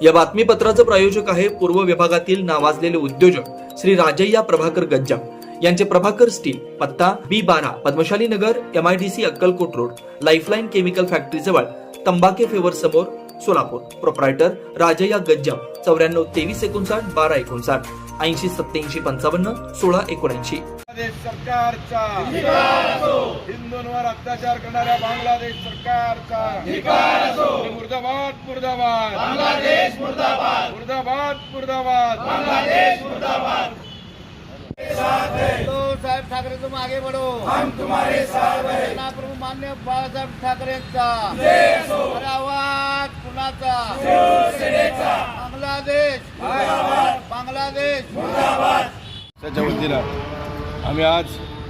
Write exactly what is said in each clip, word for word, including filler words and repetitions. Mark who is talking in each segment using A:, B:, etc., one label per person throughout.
A: या बातमीपत्राचं प्रायोजक आहे पूर्व विभागातील नावाजलेले उद्योजक श्री राजय्या प्रभाकर गज्जाम यांचे प्रभाकर स्टील, पत्ता बी बारा Padmashali Nagar, MIDC Akkalkot road, lifeline chemical factory जवळ, तंबाके फेवर समोर, सोलापूर. प्रोप्रायटर राजय्या गज्जाम, चौऱ्याण्णव तेवीस एकोणसाठ बारा एकोणसाठ ऐंशी सत्याऐंशी पंचावन्न सोळा एकोणऐंशी.
B: सरकारचा हिंदूंवर अत्याचार करणाऱ्या बांगलादेश सरकारचा मुर्दाबाद मुर्दाबाद बांगलादेश, मुर्दाबाद मुर्दाबाद मुर्दाबाद बांगलादेश, मुर्दाबाद.
C: तो साहेब ठाकरे, तुम आगे बढ़ो,
B: हम तुम्हारे साथ हैं.
C: सेना प्रमुख मान्य बाळासाहेब ठाकरेंचा अरे आवाज कुणाचा?
B: शिवसेनेचा.
C: बांगलादेश बांगलादेश
B: त्याच्या वतीनं आम्ही आज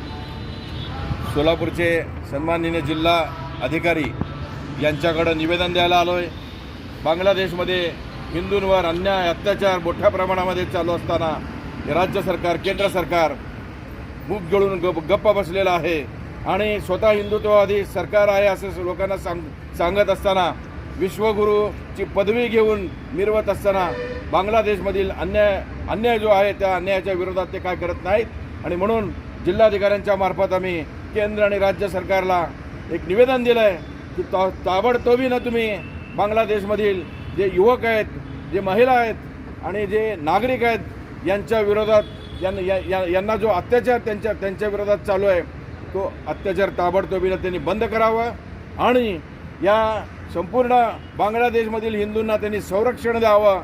B: सोलापूरचे सन्माननीय जिल्हा अधिकारी यांच्याकडे निवेदन द्यायला आलो आहे. बांगलादेशमध्ये हिंदूंवर अन्याय अत्याचार मोठ्या प्रमाणामध्ये चालू असताना राज्य सरकार, केंद्र सरकार मूग गिळून गप गप्प बसलेलं आहे आणि स्वतः हिंदुत्ववादी सरकार आहे असं लोकांना सांग सांगत असताना, विश्वगुरूची पदवी घेऊन मिरवत असताना बांगलादेशमधील अन्याय अन्याय जो आहे त्या अन्यायाच्या विरोधात ते काय करत नाहीत. आणि म्हणून जिल्हाधिकाऱ्यांच्या मार्फत आम्ही केंद्र आणि राज्य सरकारला एक निवेदन दिलं आहे की ता ताबडतोबीनं तुम्ही बांगलादेशमधील जे युवक आहेत, जे महिला आहेत आणि जे नागरिक आहेत यांच्या विरोधात यांना यांना जो अत्याचार त्यांच्या त्यांच्या विरोधात चालू आहे तो अत्याचार ताबडतोबीनं त्यांनी बंद करावा आणि या संपूर्ण बांगलादेशमधील हिंदूंना त्यांनी संरक्षण द्यावं.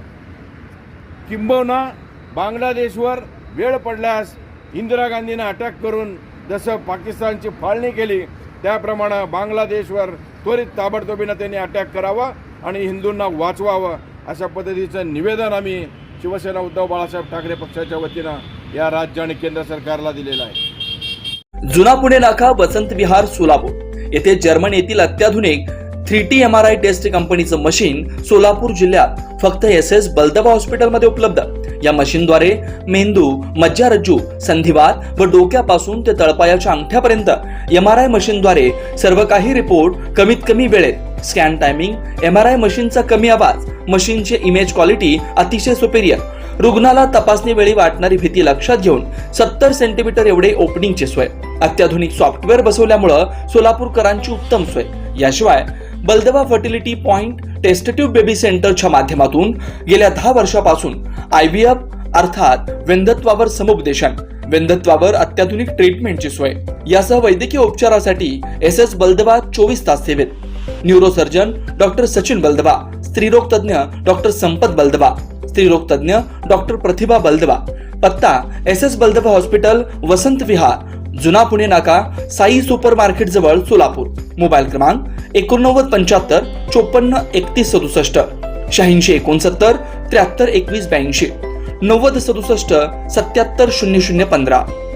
B: किंबहुना बांगलादेशवर वेळ पडल्यास इंदिरा गांधींना अटॅक करून जसं पाकिस्तानची फाळणी केली त्याप्रमाणे बांगलादेशवर त्वरित ताबडतोबीनं त्यांनी अटॅक करावा आणि हिंदूंना वाचवावं अशा पद्धतीचं निवेदन आम्ही शिवसेना उद्धव बाळासाहेब ठाकरे पक्षाच्या वतीनं या राज्य आणि केंद्र सरकारला दिलेलं आहे.
A: जुना पुणे नाका, वसंत विहार, सोलापूर येथे जर्मन येथील अत्याधुनिक three T M R I test कंपनीचं मशीन सोलापूर जिल्ह्यात फक्त एस एस बलदबा हॉस्पिटलमध्ये उपलब्ध. या मशीनद्वारे मेंदू, मज्जारज्जू, संधिवात व डोक्यापासून ते तळपायाच्या अंगठ्यापर्यंत एम आर आय मशीनद्वारे सर्व काही रिपोर्ट कमीत कमी वेळेत. Scan timing, M R I मशीनचा कमी आवाज, मशीनचे इमेज क्वालिटी अतिशय सुपेरियर. रुग्णाला तपासणी वेळी वाटणारी भीती लक्षात घेऊन सत्तर सेंटीमीटर एवढे ओपनिंगची सोय. अत्याधुनिक सॉफ्टवेअर बसवल्यामुळं सोलापूरकरांची उत्तम सोय. याशिवाय Baldaba fertility point test tube baby सेंटरच्या माध्यमातून गेल्या दहा वर्षापासून आय व्ही एफ अर्थात वेंधत्वावर समुपदेशन, वेंधत्वावर अत्याधुनिक ट्रीटमेंटची सोय. यासह वैद्यकीय उपचारासाठी एस एस बलदबा चोवीस तास सेवेत. न्यूरोसर्जन डॉक्टर सचिन बलदबा, स्त्रीरोग तज्ञ डॉक्टर संपत बलदबा, स्त्रीरोग तज्ञ डॉक्टर प्रतिभा बलदबा. पत्ता S S Baldaba hospital, Vasant Vihar, जुना पुणे नाका, साई सुपर मार्केट जवळ, सोलापूर. मोबाईल क्रमांक एकोणनव्वद पंच्याहत्तर चोपन्न एकतीस सदुसष्ट, शहाऐंशी एकोणसत्तर त्र्याहत्तर एकवीस ब्याऐंशी, नव्वद सदुसष्ट सत्याहत्तर शून्य शून्य पंधरा.